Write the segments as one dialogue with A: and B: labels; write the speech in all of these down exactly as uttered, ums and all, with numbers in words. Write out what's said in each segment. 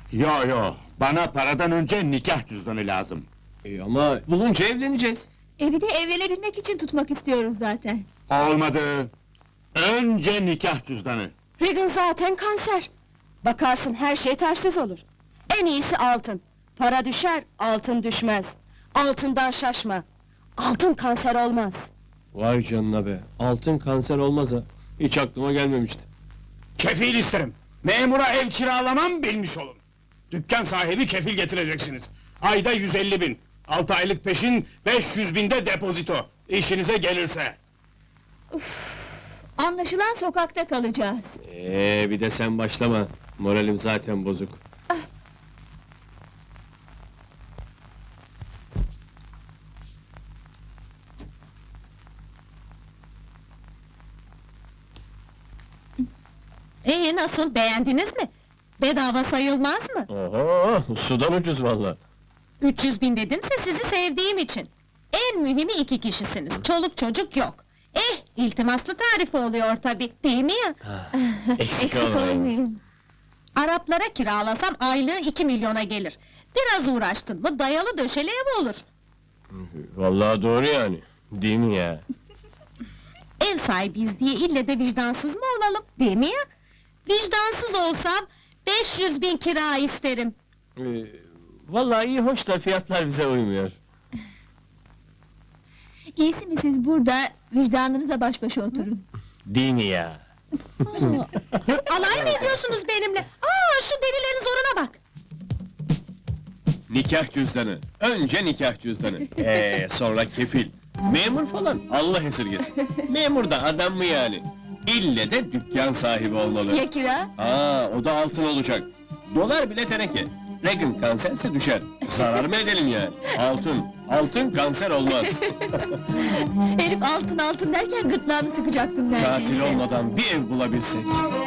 A: Yo yo, bana paradan önce nikah cüzdanı lazım.
B: E ama bulunca evleneceğiz.
C: Evi de evlenebilmek için tutmak istiyoruz zaten.
A: Olmadı. Önce nikah cüzdanı.
D: Regan zaten kanser. Bakarsın her şey ters yüz olur. En iyisi altın. Para düşer, altın düşmez. Altından şaşma. Altın kanser olmaz.
B: Vay canına be, altın kanser olmaz ha. Hiç aklıma gelmemişti.
E: Kefil isterim. Memura ev kiralamam bilmiş olun. Dükkan sahibi kefil getireceksiniz. Ayda yüz elli bin. Altı aylık peşin, beş yüz binde depozito. İşinize gelirse.
C: Anlaşılan sokakta kalacağız.
B: Ee, bir de sen başlama. Moralim zaten bozuk.
D: Ee nasıl, beğendiniz mi? Bedava sayılmaz mı?
B: Oho, sudan ucuz valla.
D: üç yüz bin dedimse sizi sevdiğim için. En mühimi iki kişisiniz, çoluk çocuk yok. Eh, iltimaslı tarifi oluyor tabi, değil mi ya?
B: Eksik
C: Eksik
B: olmayın.
C: olmayın.
D: Araplara kiralasam aylığı iki milyona gelir. Biraz uğraştın mı dayalı döşeli ev olur.
B: Vallahi doğru yani. Değil mi ya?
D: Ev sahibiyiz diye ille de vicdansız mı olalım, değil mi ya? Vicdansız olsam beş yüz bin kira isterim.
B: Ee, vallahi iyi hoş da fiyatlar bize uymuyor.
C: İyisi mi siz burada vicdanınızla baş başa oturun.
B: Değil mi ya?
D: Alay mı ediyorsunuz benimle? Aa, şu delilerin zoruna bak!
B: Nikah cüzdanı. Önce nikah cüzdanı. Ee, sonra kefil. Memur falan, Allah esirgesin. Memur da adam mı yani? İlle de dükkan sahibi olmalı.
C: Ya kira?
B: Aa, o da altın olacak. Dolar bile teneke. Regan kanserse düşer. Zarar mı edelim yani? Altın, altın kanser olmaz.
C: Herif altın altın derken gırtlağını sıkacaktım neredeyse.
B: Katil olmadan bir ev bulabilsek.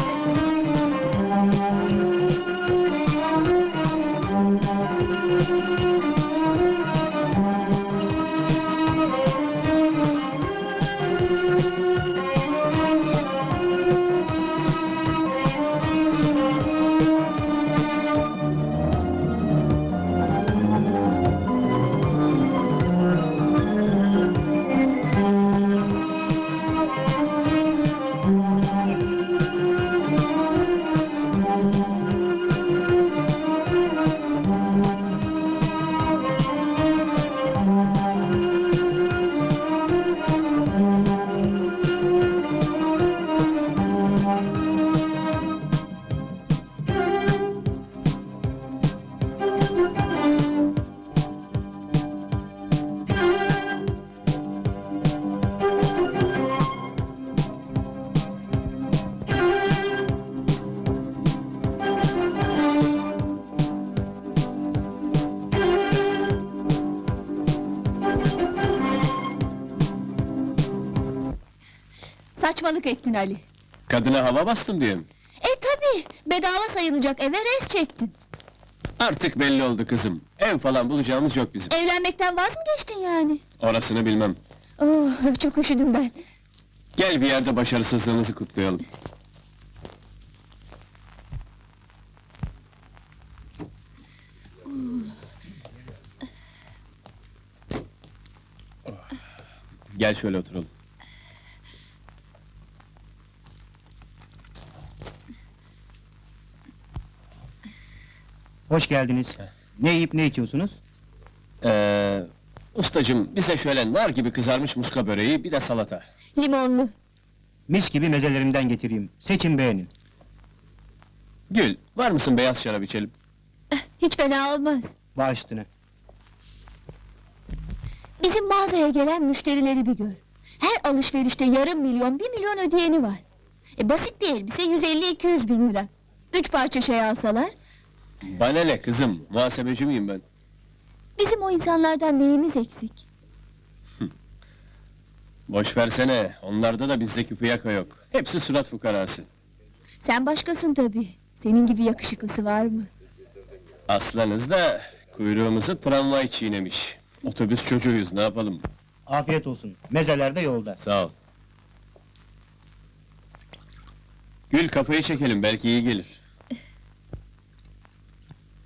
C: Saçmalık ettin Ali.
B: Kadına hava bastım diye mi?
C: E tabi, bedava sayılacak eve res çektin.
B: Artık belli oldu kızım. Ev falan bulacağımız yok bizim.
C: Evlenmekten vaz mı geçtin yani?
B: Orasını bilmem.
C: Oh, çok üşüdüm ben.
B: Gel bir yerde başarısızlığımızı kutlayalım. Gel şöyle oturalım.
F: Hoş geldiniz. Ne yiyip ne içiyorsunuz?
B: Ee, ustacım bize şöyle nar gibi kızarmış muska böreği, bir de salata.
C: Limonlu.
F: Mis gibi mezelerimden getireyim. Seçin beğenin.
B: Gül, var mısın beyaz şarap içelim?
C: Hiç fena olmaz.
F: Baş üstüne.
C: Bizim mağazaya gelen müşterileri bir gör. Her alışverişte yarım milyon, bir milyon ödeyeni var. E basit bir elbise yüz elli iki yüz bin lira. Üç parça şey alsalar,
B: Bana ne kızım, muhasebeci miyim ben?
C: bizim o insanlardan neyimiz eksik?
B: Boş versene, onlarda da bizdeki fiyaka yok. Hepsi surat fukarası.
C: Sen başkasın tabii. Senin gibi yakışıklısı var mı?
B: Aslanız da kuyruğumuzu tramvay çiğnemiş. Otobüs çocuğuyuz, ne yapalım?
F: Afiyet olsun. Mezeler de yolda.
B: Sağ ol. Gül, kafayı çekelim, belki iyi gelir.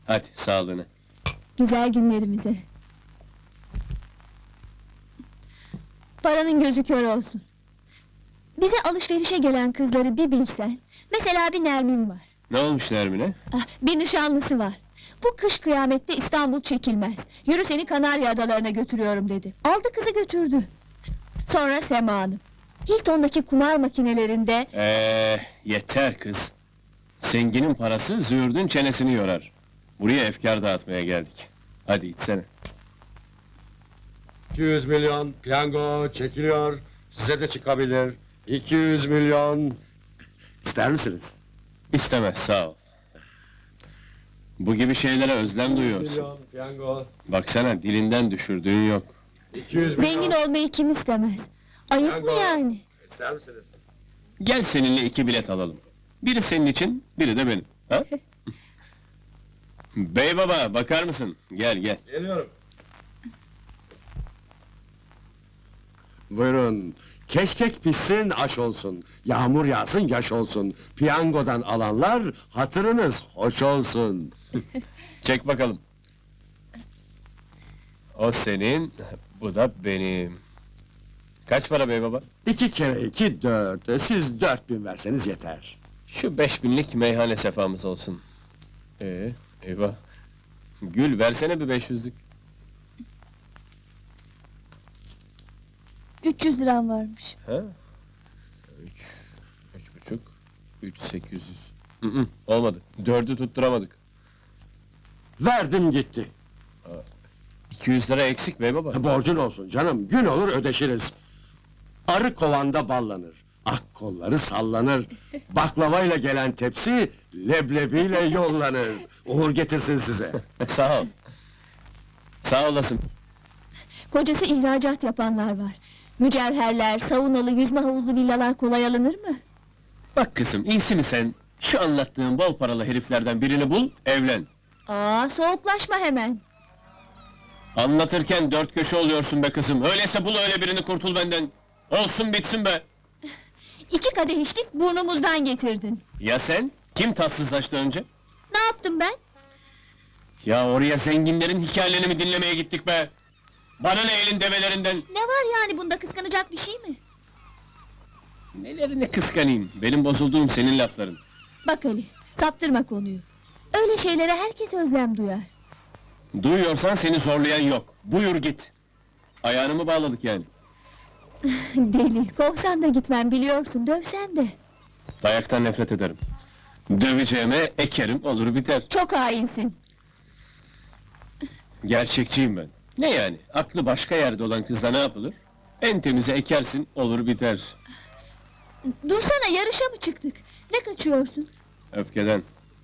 B: Hadi sağlığına.
C: Güzel günlerimize. Paranın gözü kör olsun. Bize alışverişe gelen kızları bir bilsen. Mesela bir Nermin var.
B: Ne olmuş Nermin'e?
C: Ah, bir nişanlısı var. Bu kış kıyamette İstanbul çekilmez. Yürü seni Kanarya Adalarına götürüyorum dedi. Aldı kızı götürdü. Sonra Sema Hanım. Hilton'daki kumar makinelerinde
B: Eee yeter kız. Zenginin parası züğürdün çenesini yorar. Buraya efkar dağıtmaya geldik. Hadi içsene.
G: iki yüz milyon piyango çekiliyor. Size de çıkabilir. iki yüz milyon. İster misiniz?
B: İstemez sağ ol. Bu gibi şeylere özlem duyuyorsun.
G: Milyon piyango.
B: Baksana dilinden düşürdüğün yok.
G: iki yüz milyon.
C: zengin olmayı kim istemez? Ayıp mı
G: Piyango.
C: yani?
G: İster misiniz?
B: Gel seninle iki bilet alalım. Biri senin için, biri de benim. Ha? Bey baba bakar mısın? Gel gel.
G: Geliyorum. Buyurun. Keşkek pişsin, aş olsun. Yağmur yağsın, yaş olsun. Piyangodan alanlar, hatırınız hoş olsun.
B: Çek bakalım. O senin, bu da benim. Kaç para bey baba?
G: İki kere iki, dört. Siz dört bin verseniz yeter.
B: Şu beş binlik meyhane sefamız olsun. Ee, eyvah. Gül versene bir beş yüzlük.
C: üç yüz liram varmış.
B: Ha? Üç, üç buçuk, üç sekiz yüz. Hı hı, olmadı. Dördü tutturamadık.
G: Verdim gitti.
B: İki yüz lira eksik bey baba.
G: Borcun olsun canım, gün olur ödeşiriz. Arı kovanda ballanır, ak kolları sallanır. Baklavayla gelen tepsi, leblebiyle yollanır. Uğur getirsin size.
B: Sağ ol. Sağ olasın.
C: Kocası ihracat yapanlar var. Mücevherler, saunalı, yüzme havuzlu villalar kolay alınır mı?
B: Bak kızım, iyisi mi sen? Şu anlattığım bol paralı heriflerden birini bul, evlen.
C: Aa, soğuklaşma hemen.
B: Anlatırken dört köşe oluyorsun be kızım. Öyleyse bul öyle birini, kurtul benden. Olsun bitsin be.
C: İki kadeh içtik, burnumuzdan getirdin.
B: Ya sen? Kim tatsızlaştı önce?
C: Ne yaptım ben?
B: Ya oraya zenginlerin hikayelerini mi dinlemeye gittik be? Bana ne elin develerinden?
C: Ne var yani bunda kıskanacak bir şey mi?
B: Nelerini kıskanayım? Benim bozulduğum senin lafların.
C: Bak Ali, saptırma konuyu. Öyle şeylere herkes özlem duyar.
B: Duyuyorsan seni zorlayan yok. Buyur git. Ayağını mı bağladık yani?
C: Deli, kovsan da gitmem biliyorsun, dövsen de.
B: Dayaktan nefret ederim. Döveceğime ekerim, olur biter.
C: Çok hainsin.
B: Gerçekçiyim ben. Ne yani? Aklı başka yerde olan kızla ne yapılır? En temize ekersin, olur biter.
C: Dursana, yarışa mı çıktık? Ne kaçıyorsun?
B: Öfkeden.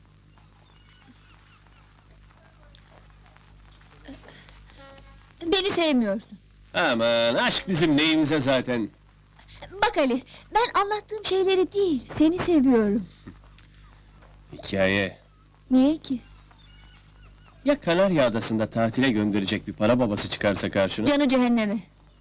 C: Beni sevmiyorsun.
B: Aman, aşk bizim neyimize zaten.
C: Bak Ali, ben anlattığım şeyleri değil, seni seviyorum.
B: Hikaye.
C: Niye ki?
B: Ya Kanarya Adası'nda tatile gönderecek bir para babası çıkarsa karşına?
C: Canı cehenneme.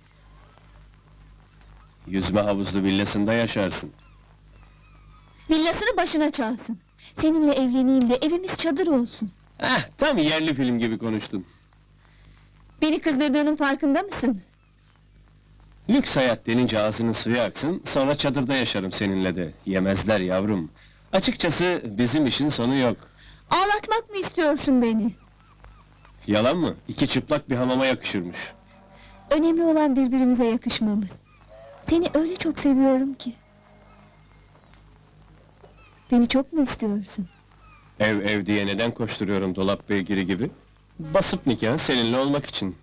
B: Yüzme havuzlu villasında yaşarsın.
C: Villasını başına çalsın. Seninle evleneyim de evimiz çadır olsun.
B: Ah, tam yerli film gibi konuştun.
C: Beni kızdırdığının farkında mısın?
B: Lüks hayat denince ağzının suyu aksın, sonra çadırda yaşarım seninle de. Yemezler yavrum. Açıkçası bizim işin sonu yok.
C: Ağlatmak mı istiyorsun beni?
B: Yalan mı? İki çıplak bir hamama yakışırmış.
C: Önemli olan birbirimize yakışmamız. Seni öyle çok seviyorum ki. Beni çok mu istiyorsun?
B: Ev ev diye neden koşturuyorum dolap beygiri gibi? Basıp nikahın seninle olmak için.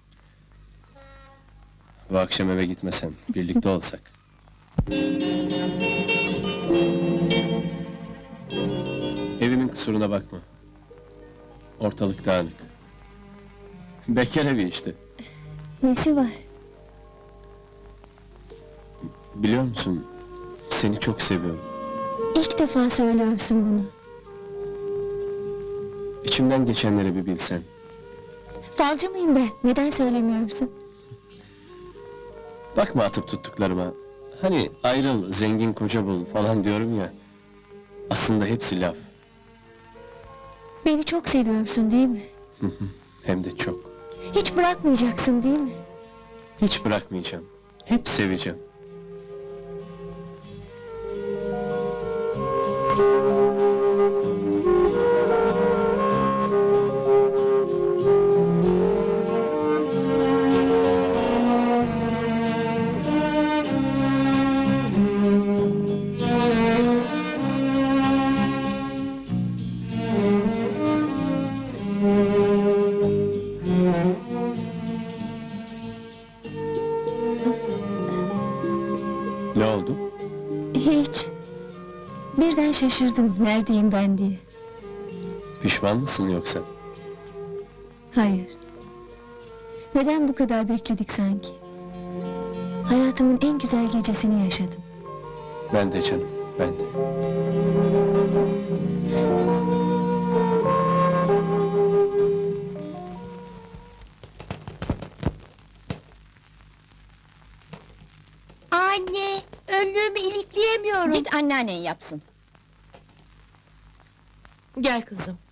B: Bu akşam eve gitmesen, birlikte olsak. Evimin kusuruna bakma. Ortalık dağınık. Bekar evi işte.
C: Nesi var?
B: Biliyor musun? Seni çok seviyorum.
C: İlk defa söylüyorsun bunu.
B: İçimden geçenleri bir bilsen.
C: Falcı mıyım ben? Neden söylemiyorsun?
B: Bakma atıp tuttuklarıma. Hani ayrıl, zengin koca bul falan diyorum ya. Aslında hepsi laf.
C: Beni çok seviyorsun değil mi?
B: Hem de çok.
C: Hiç bırakmayacaksın değil mi?
B: Hiç bırakmayacağım. Hep seveceğim. Ne oldu?
C: Hiç. Birden şaşırdım neredeyim ben diye.
B: Pişman mısın yoksa?
C: Hayır. Neden bu kadar bekledik sanki? Hayatımın en güzel gecesini yaşadım.
B: Ben de canım, ben de.
C: Anne, önlüğümü ilikleyemiyorum.
D: Git anneannen yapsın.
H: Gel kızım.